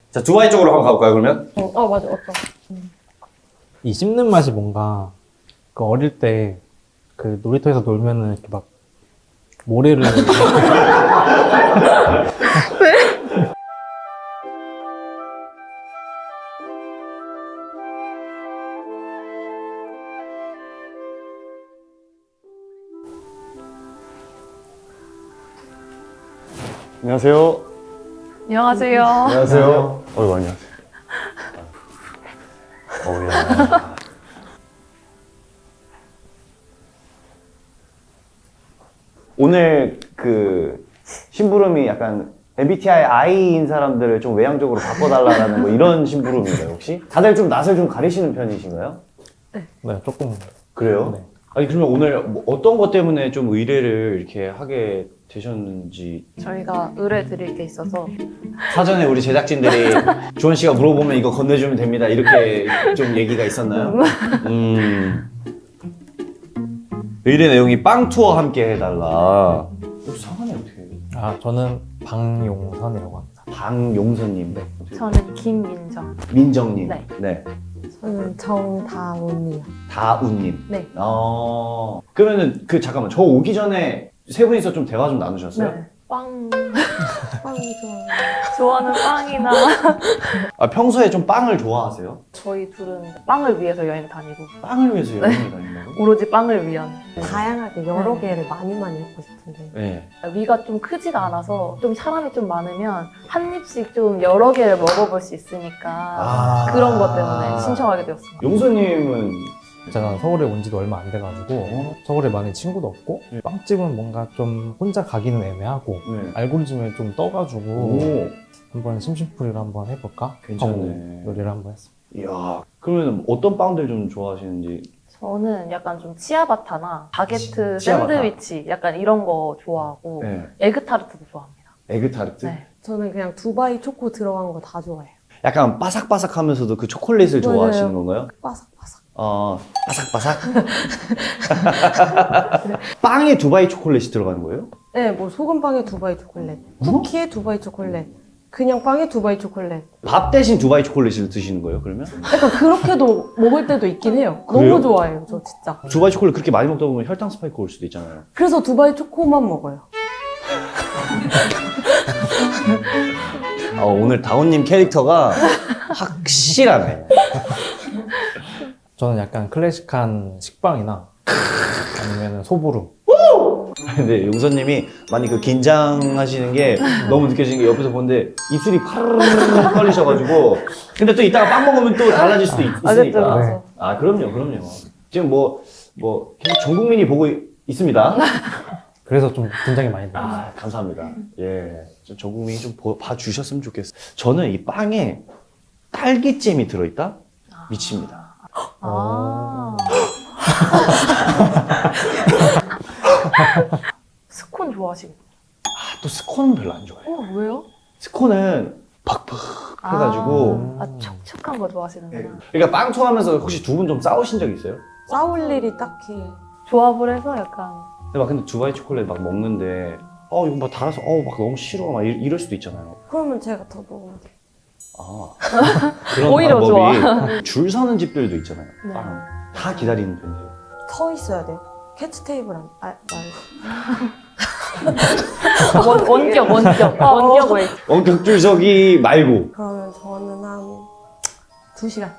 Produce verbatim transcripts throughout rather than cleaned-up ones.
자, 두바이 쪽으로 한번 가볼까요, 그러면? 어, 어 맞아, 어떤. 이 씹는 맛이 뭔가 그 어릴 때 그 놀이터에서 놀면은 이렇게 막 모래를 안녕하세요. 안녕하세요. 안녕하세요. 어이구, 안녕하세요. 어우야. 오늘 그 심부름이 약간 엠비티아이 I인 사람들을 좀 외향적으로 바꿔달라는 뭐 이런 심부름인가요, 혹시? 다들 좀 낯을 좀 가리시는 편이신가요? 네, 조금 그래요? 네. 아니, 그러면 오늘 뭐 어떤 것 때문에 좀 의뢰를 이렇게 하게 되셨는지. 저희가 의뢰 드릴 게 있어서 사전에 우리 제작진들이 주원 씨가 물어보면 이거 건네주면 됩니다, 이렇게 좀 얘기가 있었나요? 음. 의뢰 내용이 빵 투어 함께 해달라. 혹시 성함이 어떻게 해요? 아 저는 방용선이라고 합니다. 방용선님. 네. 저는 김민정. 민정님. 네. 네. 저는 정다운이요. 다운님. 네. 어. 그러면은 그 잠깐만, 저 오기 전에 세 분이서 좀 대화 좀 나누셨어요? 네. 빵. 빵 좋아. 좋아하는 빵이나 아, 평소에 좀 빵을 좋아하세요? 저희 둘은 빵을 위해서 여행 다니고 빵을 위해서 여행을 다닌다고? 오로지 빵을 위한. 다양하게 여러 네. 개를 많이 많이 먹고 싶은데. 네. 위가 좀 크지가 않아서 좀 사람이 좀 많으면 한 입씩 좀 여러 개를 먹어볼 수 있으니까 아. 그런 것 때문에 신청하게 되었습니다. 용서님은 제가 서울에 온 지도 얼마 안 돼가지고 서울에 많이 친구도 없고 네. 빵집은 뭔가 좀 혼자 가기는 애매하고 네. 알고리즘에 좀 떠가지고 오. 한번 심심풀이를 한번 해볼까 괜찮네. 하고 요리를 한번 했습니다. 이야. 그러면 어떤 빵들 좀 좋아하시는지. 저는 약간 좀 치아바타나 바게트, 치아바타. 샌드위치 약간 이런 거 좋아하고 네. 에그타르트도 좋아합니다. 에그타르트? 네. 저는 그냥 두바이 초코 들어간 거 다 좋아해요. 약간 바삭바삭하면서도 그 초콜릿을 맞아요. 좋아하시는 건가요? 바삭바삭. 어, 바삭바삭? 빵에 두바이 초콜릿이 들어가는 거예요? 네, 뭐 소금빵에 두바이 초콜릿, 쿠키에 두바이 초콜릿, 그냥 빵에 두바이 초콜릿. 밥 대신 두바이 초콜릿을 드시는 거예요, 그러면? 약간 그렇게도 먹을 때도 있긴 해요. 그래요? 너무 좋아해요, 저 진짜. 두바이 초콜릿 그렇게 많이 먹다 보면 혈당 스파이크 올 수도 있잖아요. 그래서 두바이 초코만 먹어요. 어, 오늘 다운님 캐릭터가 확실하네. 저는 약간 클래식한 식빵이나 아니면 소보루. 근데 용서님이 많이 그 긴장하시는 게 너무 느껴지는 게 옆에서 보는데 입술이 파르르 떨리셔가지고. 근데 또 이따가 빵 먹으면 또 달라질 수도 있, 아, 그렇죠. 있으니까. 그렇죠. 아, 그럼요, 그럼요. 지금 뭐, 뭐, 계속 전 국민이 보고 이- 있습니다. 그래서 좀 긴장이 많이 돼요. 아, 감사합니다. 예. 좀 전 국민이 좀 보- 봐주셨으면 좋겠어요. 저는 이 빵에 딸기잼이 들어있다? 미칩니다. 아. 스콘 좋아하시고. 아, 또 스콘은 별로 안 좋아해요. 어, 왜요? 스콘은 팍팍 해가지고. 아, 아 촉촉한 거 좋아하시는구나. 그러니까 빵 투하면서 혹시 두 분 좀 싸우신 적 있어요? 싸울 일이 딱히. 조합을 해서 약간. 근데 막 근데 두바이 초콜릿 막 먹는데 어 이거 막 달아서 어 막 너무 싫어 막 이, 이럴 수도 있잖아요. 그러면 제가 더 먹으면 돼요. 아 그런 오히려 방법이 줄 서는 집들도 있잖아요. 네. 빵. 다 기다리는 편이에요. 서 있어야 돼요. 캐치 테이블 안, 아, 말. 원, 원격, 원격. 원격 웨이트. 원격 줄 서기 말고. 그러면 저는 한 두 시간.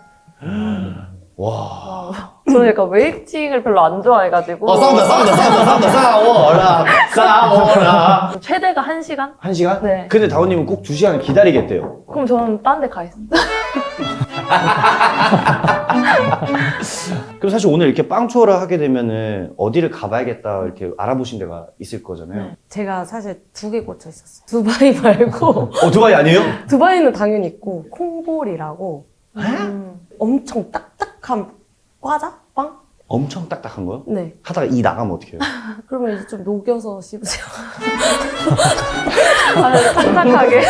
와. 저는 약간 웨이팅을 별로 안 좋아해가지고. 어 싸운다 싸운다 싸운다 싸운다 싸워라 싸워라. 최대가 한 시간? 한 시간? 네. 근데 다운님은 꼭 두 시간을 기다리겠대요. 그럼 저는 딴 데 가 있어요. 그럼 사실 오늘 이렇게 빵 투어를 하게 되면은 어디를 가봐야겠다 이렇게 알아보신 데가 있을 거잖아요. 제가 사실 두 개 꽂혀 있었어요. 두바이 말고. 어 두바이 아니에요? 두바이는 당연히 있고, 콩볼이라고 음. 엄청 딱딱한 과자? 빵? 엄청 딱딱한 거요? 네. 하다가 이 나가면 어떻게 해요? 그러면 이제 좀 녹여서 씹으세요. 아, 딱딱하게.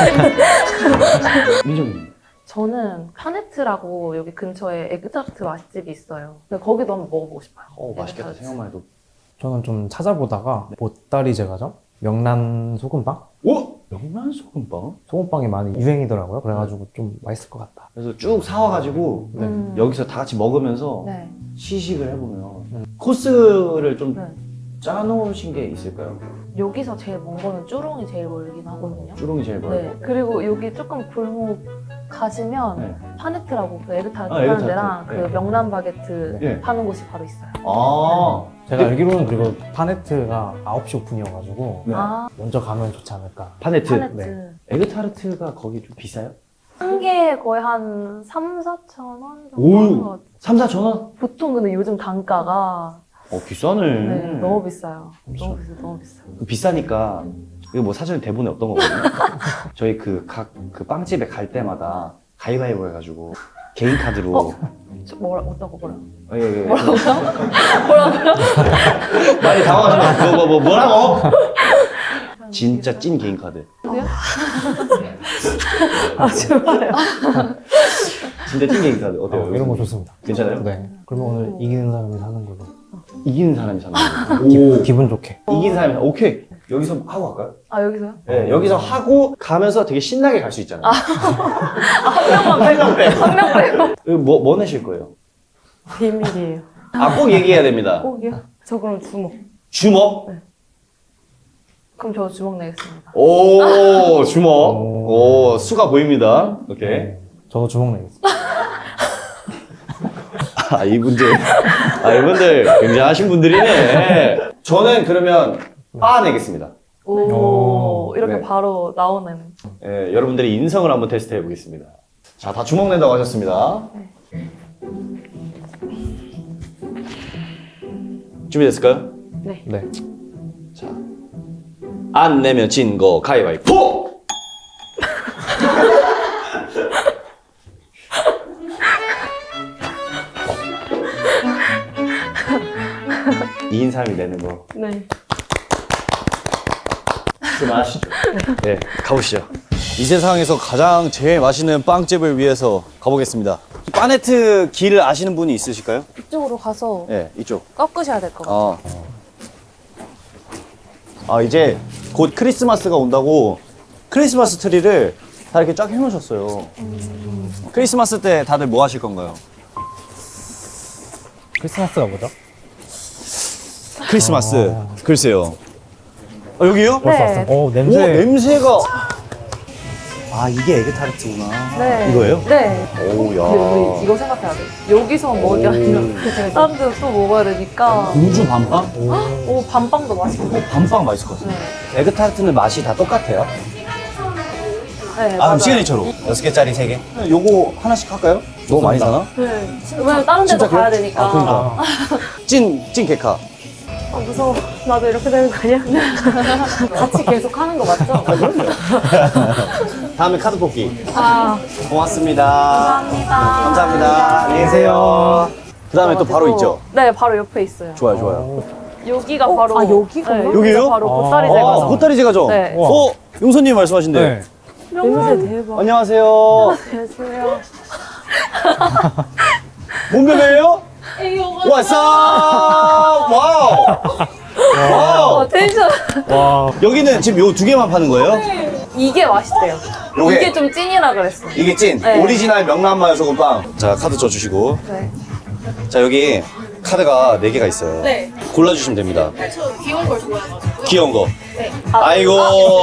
민정님. 저는 카네트라고 여기 근처에 에그타르트 맛집이 있어요. 근데 거기도 한번 먹어보고 싶어요. 어 맛있겠다 에그타르트. 생각만 해도. 저는 좀 찾아보다가 보따리 제과점, 명란 소금빵 오? 명란 소금빵? 소금빵이 많이 유행이더라고요. 그래가지고 좀 맛있을 것 같다. 그래서 쭉 사와가지고 네. 음. 여기서 다 같이 먹으면서 네. 시식을 해보면 음. 코스를 좀 네. 짜놓으신 게 있을까요? 여기서 제일 먼 거는 쭈롱이 제일 멀긴 하거든요. 쭈롱이 제일 멀고. 네. 그리고 여기 조금 골목 가시면 네. 파네트라고 그 에그타르트 아, 파는 에그타르트. 데랑 네. 그 명란 바게트 네. 파는 곳이 바로 있어요. 아. 제가 알기로는 그리고 파네트가 아홉 시 오픈이어가지고 네. 아, 먼저 가면 좋지 않을까. 파네트. 파네트. 네. 에그타르트가 거기 좀 비싸요? 한 개에 거의 한 삼, 사천 원 정도 오. 하는 것 같아요. 삼, 사천 원? 보통 근데 요즘 단가가 어, 비싸네. 네, 너무 비싸요. 그렇죠. 너무 비싸, 너무 비싸. 비싸니까 이거 뭐 사전에 대본에 없던 거거든요. 저희 그 각 그 빵집에 갈 때마다 가위바위보 해가지고 개인 카드로 어? 저 뭐라 어떤 거 뭐라? 어, 예, 예. 뭐라고요? 뭐라고요? 많이 당황하시면 뭐, 뭐, 뭐, 뭐라고? 진짜 찐 개인 카드. 아 정말요? 진짜 찐 개인 카드 어때요? 어, 이런 거 좋습니다. 괜찮아요? 네. 그러면 오늘 이기는 사람이 사는 걸로. 이기는 사람이 사는 거. 기, 기분 좋게. 이긴 사람이 사- 오케이. 여기서 하고 갈까요? 아 여기서요? 네, 여기서 하고 가면서 되게 신나게 갈 수 있잖아요. 한 명만 빼고 빼고. 한 명 빼고. 이거 뭐, 뭐 내실 거예요? 비밀이에요. 아, 꼭 얘기해야 됩니다. 꼭이요? 저 그럼 주먹. 주먹? 그럼 저 주먹 내겠습니다. 오, 주먹. 오. 오, 수가 보입니다. 오케이. 네. 저도 주먹 내겠습니다. 아, 이분들. 아, 이분들 굉장하신 분들이네. 저는 그러면 빠 내겠습니다. 오, 오. 이렇게 네. 바로 나오는. 예, 여러분들의 인성을 한번 테스트 해보겠습니다. 자, 다 주먹 낸다고 하셨습니다. 준비됐을까요? 네. 네. 자, 안 내면 진 거 가위바위보! 이긴 사람이 내는 거. 네. 그만하시죠. 네, 가보시죠. 이 세상에서 가장 제일 맛있는 빵집을 위해서 가보겠습니다. 파네트 길을 아시는 분이 있으실까요? 이쪽으로 가서 네, 이쪽. 꺾으셔야 될 것 같아요. 아. 아, 이제 곧 크리스마스가 온다고 크리스마스 트리를 다 이렇게 쫙 해놓으셨어요. 크리스마스 때 다들 뭐 하실 건가요? 크리스마스가 뭐죠? 크리스마스. 글쎄요. 아, 여기요? 벌써 네. 왔어. 오, 오, 냄새. 냄새가. 아, 이게 에그타르트구나. 네. 이거예요? 네. 오, 근데 야. 우리 이거 생각해야 돼. 여기서 먹이 아니라 다른 데서 또 먹어야 되니까. 공주 밤빵? 오, 밤빵도 맛있고. 어, 밤빵 맛있을 것 같아요. 에그타르트는 맛이 다 똑같아요? 네, 아, 맞아요. 그럼 시그니처로. 여섯 개짜리 세 개? 요거 하나씩 할까요? 너무 많이 사나? 네. 왜냐면 다른 데도 진짜 가야 그래요? 되니까. 아, 그러니까. 찐, 찐 개카. 아 무서워. 나도 이렇게 되는 거 아니야? 같이 계속 하는 거 맞죠? 다음에 카드 뽑기. 아, 고맙습니다. 감사합니다. 감사합니다. 안녕히 계세요. 그 다음에 또 바로 있죠? 네, 바로 옆에 있어요. 좋아요, 좋아요. 여기가 어? 바로. 아, 여기가? 네, 여기요? 바로 아. 보따리 아, 제과점. 보따리 제과점. 네. 어, 용선님 말씀하신대. 네. 냄새 대박. 안녕하세요. 안녕하세요. 몸베베예요? 왔어! 와우! 와우! 어, 텐션. 와. 여기는 지금 요 두 개만 파는 거예요? 이게 맛있대요. 요게? 이게 좀 찐이라 그랬어. 이게 찐 네. 오리지널 명란마요 소금빵. 자, 카드 쪄주시고. 네. 자, 여기 카드가 네 개가 있어요. 네. 골라주시면 됩니다. 저 귀여운 걸 좋아해가지고. 귀여운 거. 네. 아이고,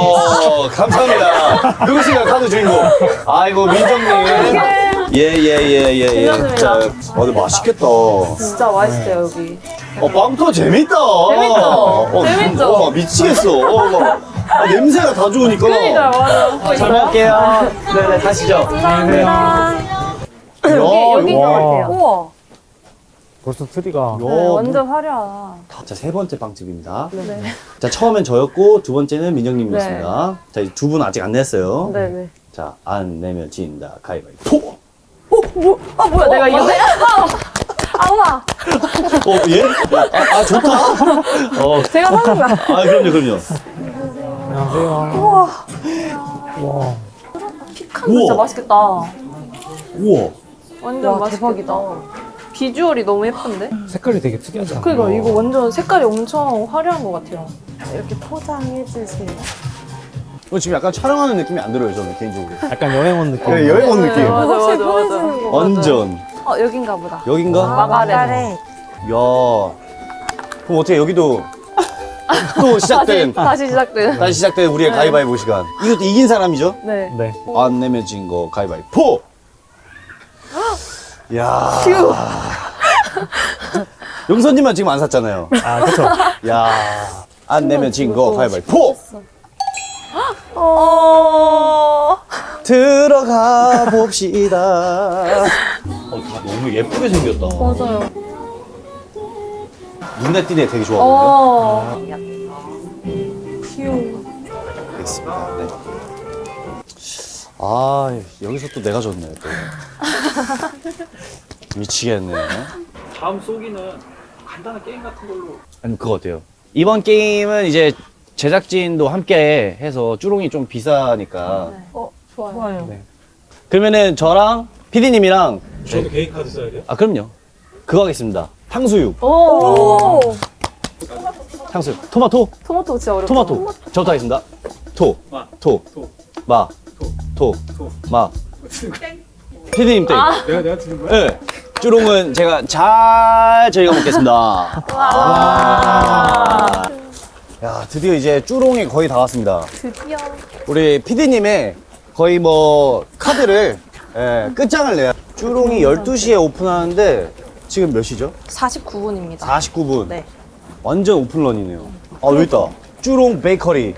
감사합니다. 누구신가요, 카드 주인공? 아이고, 민정님. 예, 예, 예, 예, 예. 감사합니다. 자, 어, 근데 맛있겠다. 어, 진짜 맛있대요, 여기. 빵터 재밌다. 재밌죠? 어, 재밌죠? 어, 미치겠어. 어, 막, 아, 냄새가 다 좋으니까. 그러니까, 맞아. 잘 먹을게요. 네네, 가시죠. 감사합니다. 야, 여기, 여기인 것 와. 같아요. 우와. 벌써 트리가. 야, 네, 완전 화려하다. 자, 세 번째 빵집입니다. 네. 자, 처음엔 저였고, 두 번째는 민정님이었습니다. 자, 두 분 아직 안 냈어요. 네, 네. 자, 안 내면 진다. 가위바위보. 어, 뭐, 아, 뭐야, 내가 이겼네? 아우와. 어, 예? 아, 아 좋다. 어, 제가 사는 거야. 아, 그럼요, 그럼요. 안녕하세요. 우와. 와. 피칸 진짜 우와. 맛있겠다. 우와. 완전 와, 맛있겠다. 대박이다. 비주얼이 너무 예쁜데? 색깔이 되게 특이하지 않아요? 그니까 이거 완전 색깔이 엄청 화려한 것 같아요. 이렇게 포장해 주세요. 어, 지금 약간 촬영하는 느낌이 안 들어요, 저는 개인적으로. 약간 여행 온 느낌. 네, 여행 온 느낌. 맞아, 맞아, 확실히 맞아. 편해지는 거. 완전. 어, 여긴가 보다. 여긴가? 마가렛. 야. 그럼 어떻게 여기도 또 시작된 다시, 다시 시작된. 다시 시작된 우리의 가위바위보 시간. 이것도 이긴 사람이죠? 네. 네. 안 내면 진 거 가위바위보. 야. 용선님만 지금 안 샀잖아요. 아, 그쵸. 야. 안 내면 진 거 가위바위보. 어. 들어가 봅시다. 어, 다 너무 예쁘게 생겼다. 맞아요. 눈에 띄네 되게 좋아 보이는데. 어. 귀여워. 알겠습니다. 네. 아, 여기서 또 내가 졌네, 또. 미치겠네. 다음 쏘기는 간단한 게임 같은 걸로. 아니, 그거 어때요? 이번 게임은 이제 제작진도 함께 해서 쭈롱이 좀 비싸니까. 어, 좋아요. 좋아요. 네. 그러면은 저랑 피디님이랑. 저도 개인 카드 써야 돼요? 아, 그럼요. 그거 하겠습니다. 탕수육. 오. 탕수육. 토마토. 토마토 진짜 어렵다. 토마토. 저부터 하겠습니다. 토. 마. 토. 토. 마. 토. 토. 마. 피디님 땡. 내가 내가 드는 거야? 네. 쭈롱은 제가 잘 저희가 먹겠습니다. 와. 야, 드디어 이제 쭈롱이 거의 다 왔습니다. 드디어. 우리 피디님의 거의 뭐 카드를 예, 끝장을 내야. 쭈롱이 열두 시에 오픈하는데 지금 몇 시죠? 사십구 분입니다. 사십구 분. 네. 완전 오픈런이네요. 아, 여기 있다. 쭈롱 베이커리.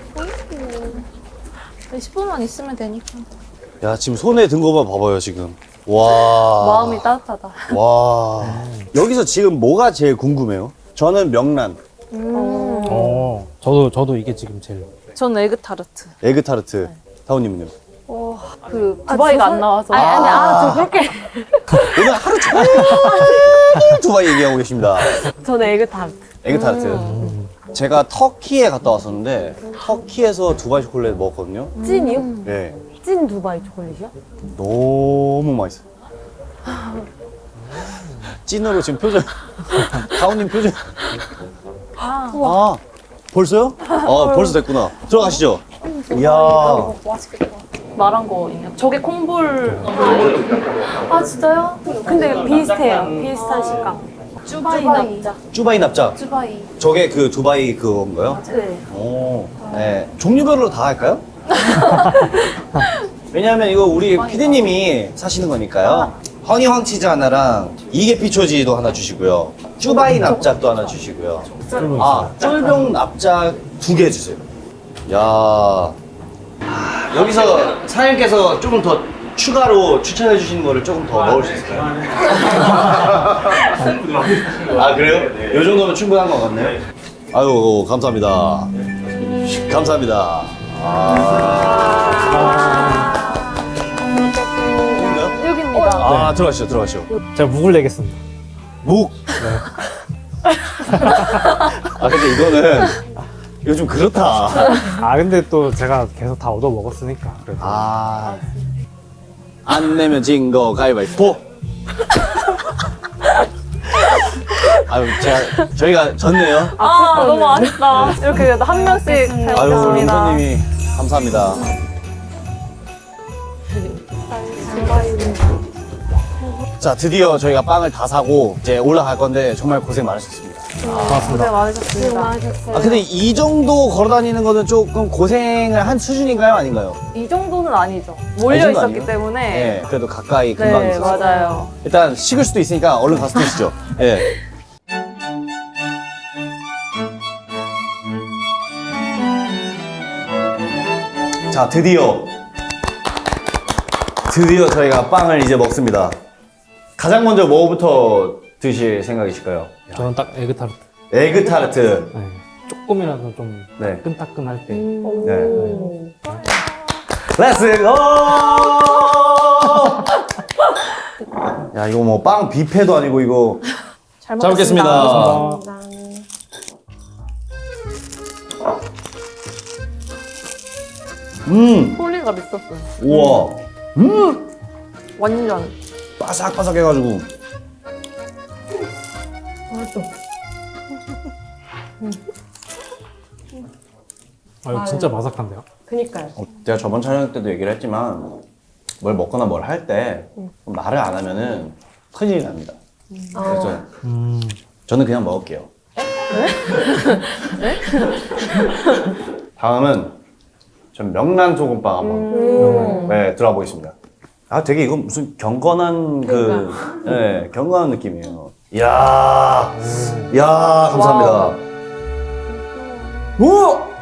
십 분만 있으면 되니까. 야, 지금 손에 든 거만 봐봐요, 지금. 와. 마음이 따뜻하다. 와. 여기서 지금 뭐가 제일 궁금해요? 저는 명란, 음. 어, 저도, 저도 이게 지금 제일. 전 에그타르트. 에그타르트. 다운님은요? 그 두바이가 안 나와서. 아니, 아니, 아, 저 그렇게. 오늘 하루 종일 두바이 얘기하고 계십니다. 저는 에그타르트. 에그타르트. 제가 터키에 갔다 왔었는데 터키에서 두바이 초콜릿 먹었거든요. 찐이요? 네. 찐 두바이 초콜릿이요? 너무 맛있어요. 찐으로 지금 표정. 다운님 표정. 아. 아, 벌써요? 아, 벌써 됐구나. 들어가시죠. 이야. 맛있겠다. 말한 거 있냐? 저게 콩볼. 아, 진짜요? 근데 비슷해요. 비슷한 식감. 쭈바이 납작. 쭈바이 납작. 쭈바이. 저게 그 두바이 그건가요? 네. 오. 네. 종류별로 다 할까요? 왜냐하면 이거 우리 피디님이 사시는 거니까요. 허니 황치즈 하나랑 이계피초지도 하나 주시고요. 쭈바이 납작도 하나 주시고요. 아, 쫄병 납작 두 개 주세요. 야. 여기서 사장님께서 조금 더 추가로 추천해 주시는 거를 조금 더 넣을 수 있을까요? 아, 그래요? 요 정도면 충분한 것 같네요. 아유, 감사합니다. 감사합니다. 아. 여긴가요? 여기입니다. 아, 들어가시죠, 들어가시죠. 제가 묵을 내겠습니다. 묵. 아, 근데 이거는 이거 좀 그렇다. 아, 근데 또 제가 계속 다 얻어 먹었으니까. 그래도. 아, 안 내면 진 거 가위바위보. 아유, 제가 저희가 졌네요. 아, 너무 아쉽다. 이렇게 그래도 한 명씩 잘 아유, 먹겠습니다. 롱선님이 감사합니다. 자, 드디어 저희가 빵을 다 사고 이제 올라갈 건데 정말 고생 많으셨습니다. 고맙습니다. 고생 많으셨습니다. 많으셨어요. 아, 근데 이 정도 걸어 다니는 거는 조금 고생을 한 수준인가요? 아닌가요? 이 정도는 아니죠. 이 몰려 정도 있었기 아니에요? 때문에. 네, 그래도 가까이 금방 네, 있었어요. 맞아요. 일단 식을 수도 있으니까 얼른 가서 드시죠. 예. 자, 드디어 드디어 저희가 빵을 이제 먹습니다. 가장 먼저 뭐부터 드실 생각이실까요? 저는 딱 에그타르트. 에그 타르트. 네. 조금이라도 좀 네. 따끈따끈할 때. 네. 렛츠 고! 야, 이거 뭐 빵 뷔페도 아니고 이거. 잘 잘 먹겠습니다. 감사합니다. 음, 소리가 미쳤어요. 우와. 음, 완전. 바삭바삭 해가지고. 아, 이거 진짜 바삭한데요? 그니까요. 어, 제가 저번 촬영 때도 얘기를 했지만 뭘 먹거나 뭘 할 때 말을 안 하면은 큰일이 납니다. 그래서 어. 음. 저는 그냥 먹을게요. 다음은 전 명란 소금빵 한번 음. 네, 들어가 보겠습니다. 아 되게 이건 무슨 경건한 그 네, 경건한 느낌이에요. 이야, 이야 감사합니다. 오!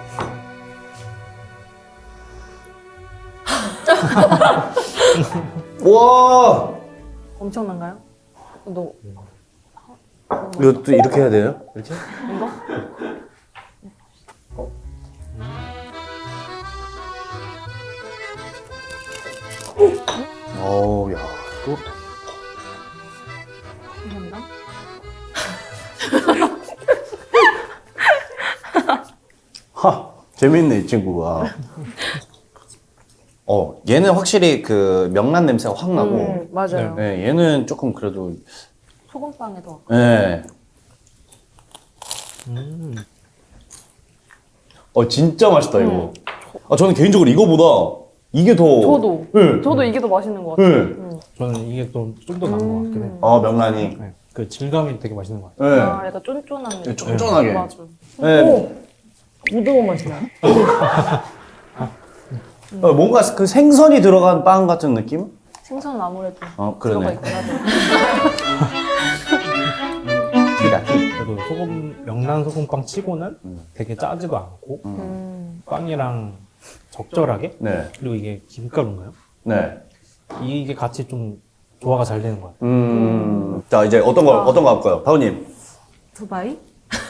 와! 엄청난가요? 너 이것도 이렇게 해야 돼요? 이렇게? 이거? 어우, 야, 또. 감사합니다. 하, 재밌네, 이 친구가. 어, 얘는 확실히 그 명란 냄새가 확 나고, 음, 맞아요. 네, 얘는 조금 그래도, 소금빵에도 네. 음. 어, 진짜 맛있다, 이거. 아, 저는 개인적으로 이거보다 이게 더. 저도. 네. 저도 이게 더 맛있는 것 같아요. 네. 음. 저는 이게 좀 좀 더 나은 것 같긴 해. 아, 명란이. 네. 그 질감이 되게 맛있는 것 같아요. 네. 아, 약간 쫀쫀한 느낌. 쫀쫀하게. 맞아. 네. 고등어 맛이 나요? 어, 뭔가 그 생선이 들어간 빵 같은 느낌? 생선은 아무래도 어, 들어가 그러네. 있긴 하죠. 기다, 기. 그래도 소금 명란 소금빵 치고는 되게 짜지도 않고 음. 빵이랑 적절하게 네. 그리고 이게 김가루인가요? 네. 이게 같이 좀 조화가 잘 되는 것 같아요. 음. 자, 이제 어떤 거, 어떤 거 할까요? 바우님. 두바이?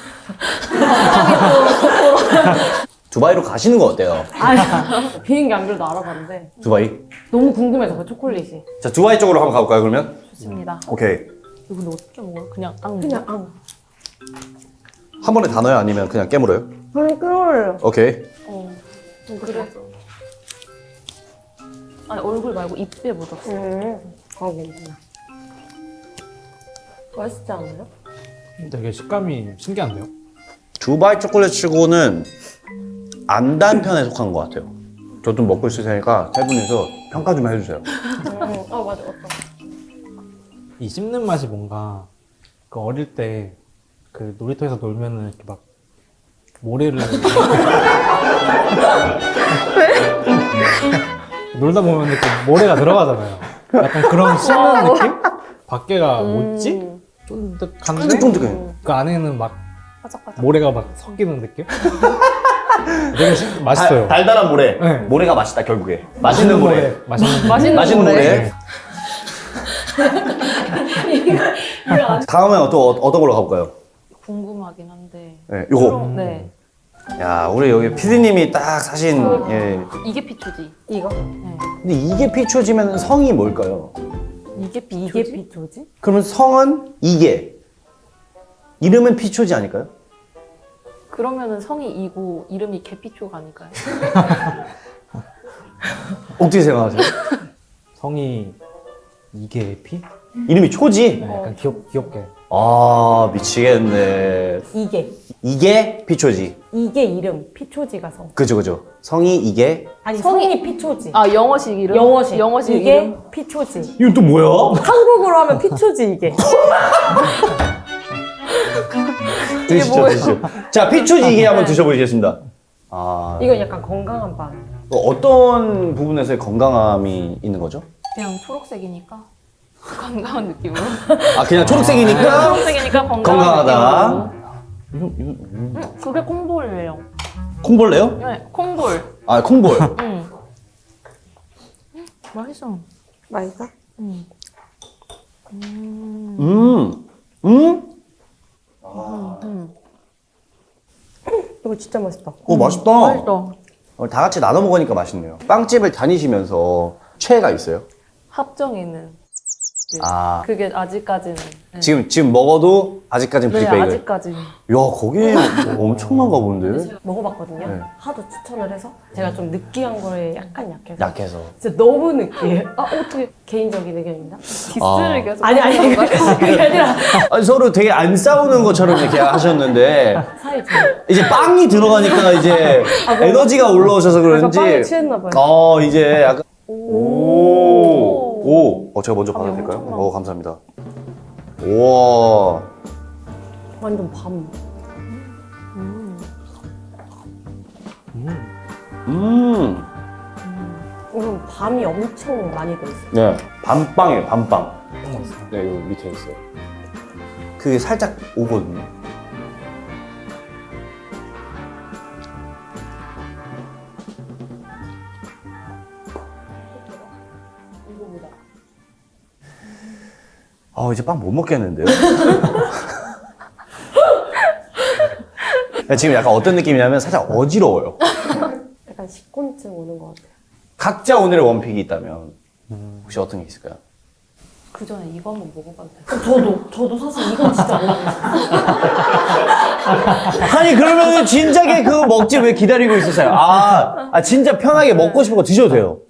두바이로 가시는 거 어때요? 아니, 비행기 안 그래도 알아봤는데 두바이? 너무 궁금해서 그 초콜릿이. 자, 두바이 쪽으로 한번 가볼까요, 그러면? 좋습니다. 오케이. 이거 근데 어떻게 먹어요? 그냥 앙. 그냥 앙. 한 번에 다 넣어요? 아니면 그냥 깨물어요? 그냥 끓어요. 오케이. 어. 좀 그래. 아니 얼굴 말고 입에 묻었어. 음. 어, 괜찮아. 맛있지 않아요? 되게 식감이 신기한데요? 두바이 초콜릿 치고는 안 단 편에 속한 것 같아요. 저 좀 먹고 있을 테니까 세 분이서 평가 좀 해주세요. 음. 어, 맞아, 맞다. 이 씹는 맛이 뭔가 그 어릴 때 그 놀이터에서 놀면은 이렇게 막 모래를 놀다 보면 이렇게 모래가 들어가잖아요. 약간 그런 씹는 느낌? 밖에가 뭐지? 쫀득한데 쫀득쫀득해. 그 안에는 막 바삭바삭. 모래가 막 섞이는 느낌? 되게 시- 맛있어요. 달, 달달한 모래. 네. 모래가 맛있다, 결국에. 맛있는 모래. 맛있는 모래. 맛있는, 맛있는 모래. 네. 다음엔 또 어, 어떤 걸로 가볼까요? 궁금하긴 한데. 네, 요거. 네. 야, 우리 여기 피디님이 딱 사신, 예. 이게 피초지. 이거? 네. 근데 이게 피초지면 성이 뭘까요? 이게 피초지. 이게 비초지? 그러면 성은 이게. 이름은 피초지 아닐까요? 그러면은 성이 이고 이름이 개피초가 아닐까요? 어떻게 생각하세요? 성이 이게 피? 이름이 초지? 네, 약간 귀엽, 귀엽게. 아, 미치겠네. 이게. 이게 피초지. 이게 이름. 피초지가 성. 그죠, 그죠. 성이 이게. 아니, 성이- 성이, 피초지. 아 영어식 이름? 영어식. 영어식 이게 이름? 피초지. 이건 또 뭐야? 한국어로 하면 피초지, 이게. 드시죠, 드시죠. 자, 피초지 이게 한번 드셔보시겠습니다. 아, 이건 약간 건강한 빵. 어떤 부분에서의 건강함이 있는 거죠? 그냥 초록색이니까 건강한 느낌으로. 아, 그냥 초록색이니까 초록색이니까 건강한 건강하다. 느낌으로. 이거, 이거, 음. 음, 그게 콩볼이에요. 콩벌레요? 네, 콩볼. 아, 콩볼. 응. 음, 맛있어. 맛있어? 음. 음, 음? 음. 이거 진짜 맛있다. 오, 맛있다. 맛있어. 어, 다 같이 나눠 먹으니까 맛있네요. 빵집을 다니시면서 최애가 있어요? 합정에는 네. 아. 그게 아직까지는. 네. 지금 지금 먹어도 아직까지는 네, 브릭베이글. 아직까지. 야, 거기 엄청난가 본데. 먹어봤거든요. 네. 하도 추천을 해서 제가 좀 느끼한 거에 약간 약해서 약해서. 진짜 너무 느끼해. 아 어떻게 개인적인 의견입니다. 디스를 아. 계속. 아니 아니 하는 건가요? 그게 아니라 아니, 서로 되게 안 싸우는 것처럼 이렇게 하셨는데 사이 좋아요. 이제 빵이 들어가니까 이제 에너지가 올라오셔서 약간 그런지 빵에 취했나 봐요. 어 이제 약간 오. 오, 어 제가 먼저 밥이 받아도 될까요? 엄청 어 감사합니다. 우와. 완전 밤. 음. 이건 밤이 엄청 많이 돼 있어요. 네. 밤빵이에요, 밤빵. 음. 네, 여기 밑에 있어요. 그게 살짝 오거든요. 아, 이제 빵 못 먹겠는데요? 지금 약간 어떤 느낌이냐면 살짝 어지러워요. 약간 식곤증 오는 것 같아요. 각자 오늘의 원픽이 있다면 혹시 어떤 게 있을까요? 그 전에 이거 한번 먹어봐도 돼요? 저도 저도 사실 이건 진짜 몰랐어요. 아니 그러면 진작에 그거 먹지 왜 기다리고 있었어요? 아, 아 진짜 편하게 먹고 싶은 거 드셔도 돼요.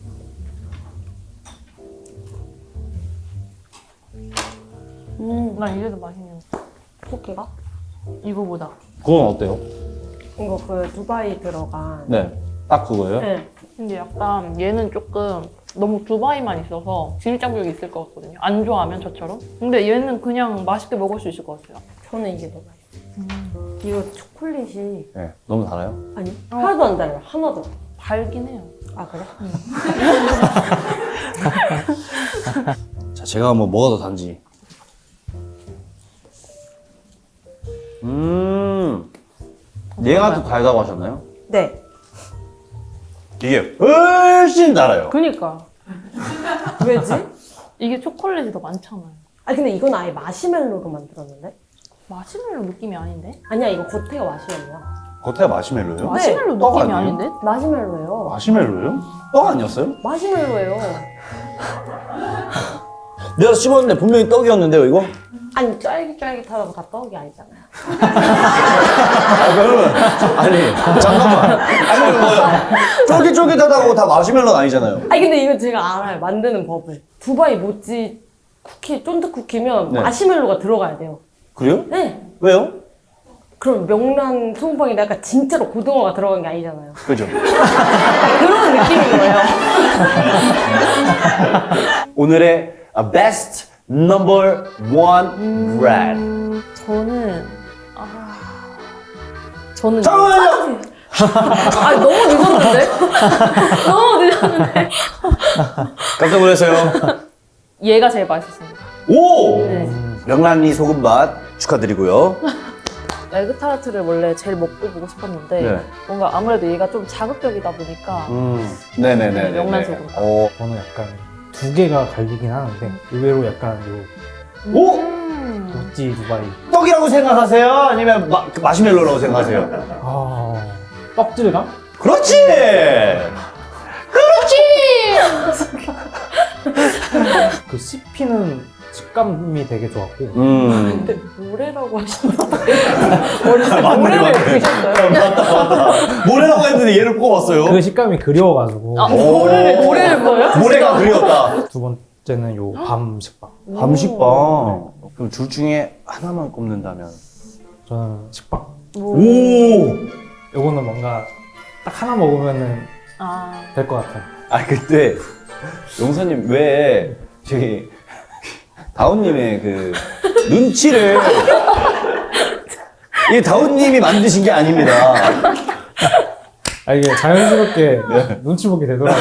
음, 난 이래도 맛있네요. 포케가? 이거보다. 그건 어때요? 이거 그 두바이 들어간. 네, 딱 그거예요. 네. 근데 약간 얘는 조금 너무 두바이만 있어서 진입장벽이 있을 것 같거든요. 안 좋아하면 저처럼. 근데 얘는 그냥 맛있게 먹을 수 있을 것 같아요. 저는 이게 너무 맛있어요. 이거 초콜릿이 네, 너무 달아요. 아니 하나도 안 달아요. 하나도. 달긴 해요. 아 그래? 자, 제가 한번 뭐가 더 단지. 음, 얘가 더 달다고 하셨나요? 네. 이게 훨씬 달아요. 그니까. 왜지? 이게 초콜릿이 더 많잖아요. 아 근데 이건 아예 마시멜로로 만들었는데? 마시멜로 느낌이 아닌데? 아니야 이거 겉에가 마시멜로야. 겉에 마시멜로요? 마시멜로 떡 느낌이 아니에요? 아닌데? 마시멜로예요. 마시멜로요? 떡 아니었어요? 마시멜로예요. 내가 씹었는데 분명히 떡이었는데요, 이거? 아니 쫄깃쫄깃하다고 다 떡이 아니잖아요. 아, 그러면 아니 잠깐만. 아니 뭐야? 쫄깃쫄깃하다고 다 마시멜로는 아니잖아요. 아니 근데 이거 제가 알아요. 만드는 법을. 두바이 모찌 쿠키, 쫀득 쿠키면 네. 마시멜로가 들어가야 돼요. 그래요? 네. 왜요? 그럼 명란 소금빵인데 약간 진짜로 고등어가 들어간 게 아니잖아요. 그죠. 약간 그런 느낌인 거예요. 오늘의 best number one bread. 음, 저는 아 저는 잠깐만요. 아 너무 늦었는데? 너무 늦었는데? 깜짝 놀랐어요. 얘가 제일 맛있습니다. 오! 네. 명란리 소금맛 축하드리고요. 에그타르트를 원래 제일 먹고 보고 싶었는데 네. 뭔가 아무래도 얘가 좀 자극적이다 보니까 음. 네네네. 네, 명란 소금. 어. 저는 약간 두 개가 갈리긴 하는데 의외로 약간 요 오! 음. 모찌 두바이 떡이라고 생각하세요? 아니면 마, 그 마시멜로라고 생각하세요? 아 떡질감? 그렇지! 그 씹히는 식감이 되게 좋았고 음. 근데 모래라고 하셨는데 맞네, 모래를 맞네. 드셨어요? 맞다, 맞다. 모래라고 했는데 얘를 뽑았어요. 그 식감이 그리워가지고 아, 오. 모래를 모래를 뭐요? 모래가 그리웠다. 두 번째는 요 밤 식빵. 밤식빵. 그럼 둘 중에 하나만 꼽는다면? 저는 식빵. 오! 요거는 뭔가 딱 하나 먹으면은 아 될 것 같아요. 아, 그때 용사님 왜 저기 다운님의 그 눈치를 이게 다운님이 만드신 게 아닙니다. 아 이게 자연스럽게 눈치 보게 되더라고요.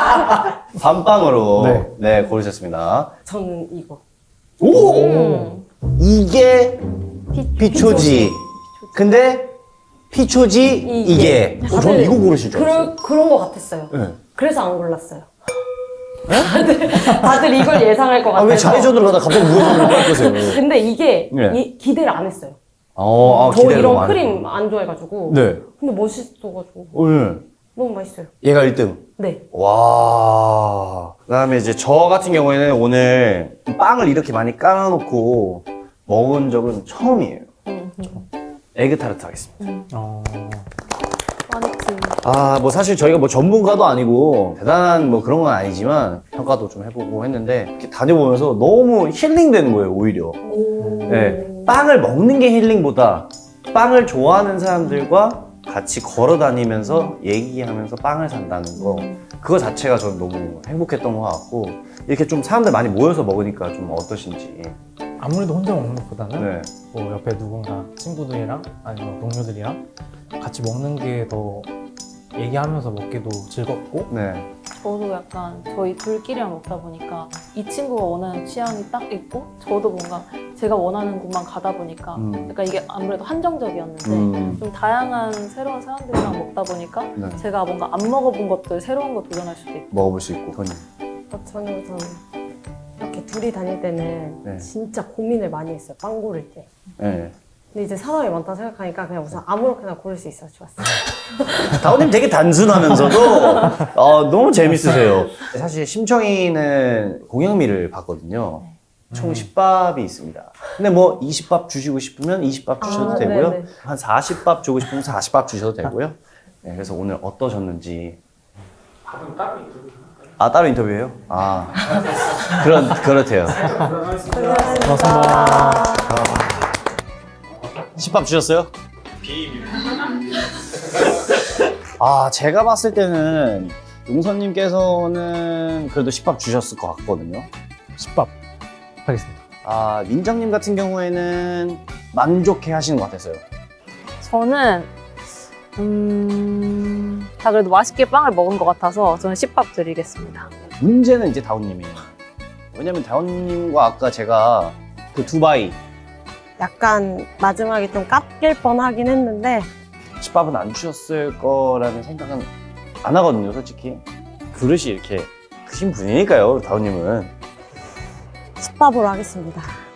밤빵으로 네, 네. 고르셨습니다. 저는 이거. 오! 음. 이게 피초지. 근데 피초지 이게. 이게. 어, 저는 이거 고르실 줄 알았어요. 그런 그런 거 같았어요. 네. 그래서 안 골랐어요. 다들, 다들 이걸 예상할 것 아, 같아서. 왜 좌회전으로 가다 갑자기 우회전으로 바꾸세요? 근데 이게 네. 이- 기대를 안 했어요. 어, 아, 저 기대를 이런 너무 안 크림 했구나. 안 좋아해가지고. 네. 근데 멋있어가지고 오늘 너무 맛있어요. 얘가 일 등. 네. 와. 그다음에 이제 저 같은 경우에는 오늘 빵을 이렇게 많이 깔아놓고 먹은 적은 처음이에요. 음, 음. 에그타르트 하겠습니다. 어, 아니지. 아, 뭐 사실 저희가 뭐 전문가도 아니고 대단한 뭐 그런 건 아니지만 평가도 좀 해보고 했는데 이렇게 다녀보면서 너무 힐링되는 거예요, 오히려. 네, 빵을 먹는 게 힐링보다 빵을 좋아하는 사람들과 같이 걸어 다니면서 얘기하면서 빵을 산다는 거, 그거 자체가 저는 너무 행복했던 것 같고, 이렇게 좀 사람들 많이 모여서 먹으니까 좀 어떠신지. 아무래도 혼자 먹는 것보다는 네. 뭐 옆에 누군가 친구들이랑 아니면 동료들이랑 같이 먹는 게 더 얘기하면서 먹기도 즐겁고 네. 저도 약간 저희 둘끼리만 먹다 보니까 이 친구가 원하는 취향이 딱 있고 저도 뭔가 제가 원하는 곳만 가다 보니까 음. 약간 이게 아무래도 한정적이었는데 음. 좀 다양한 새로운 사람들이랑 먹다 보니까 네. 제가 뭔가 안 먹어본 것들 새로운 거 도전할 수도 있고 먹어볼 수 있고. 손님. 어, 저는 우선 이렇게 둘이 다닐 때는 네. 진짜 고민을 많이 했어요. 빵 고를 때. 네. 근데 이제 사람이 많다 생각하니까 그냥 우선 아무렇게나 고를 수 있어서 좋았어요. 다운님 되게 단순하면서도 어, 너무 재밌으세요. 사실 심청이는 공양미를 봤거든요. 총 십 밥이 있습니다. 근데 뭐 이십 밥 주시고 싶으면 이십 밥 주셔도 아, 되고요. 네네. 한 사십 밥 주고 싶으면 사십 밥 주셔도 되고요. 네, 그래서 오늘 어떠셨는지. 밥은 따로 인터뷰. 아, 따로 인터뷰해요? 아, 그런, 그렇대요. 고맙습니다. 십 밥 주셨어요? 비밀. 아, 제가 봤을 때는 용선님께서는 그래도 십 밥 주셨을 것 같거든요. 십 밥 하겠습니다. 아, 민정님 같은 경우에는 만족해 하시는 것 같았어요. 저는 음... 다 그래도 맛있게 빵을 먹은 것 같아서 저는 십 밥 드리겠습니다. 문제는 이제 다운님이에요. 왜냐면 다운님과 아까 제가 그 두바이 약간 마지막에 좀 깎일 뻔하긴 했는데 십 밥은 안 주셨을 거라는 생각은 안 하거든요, 솔직히. 그릇이 이렇게 크신 분이니까요, 다운님은. 십 밥으로 하겠습니다.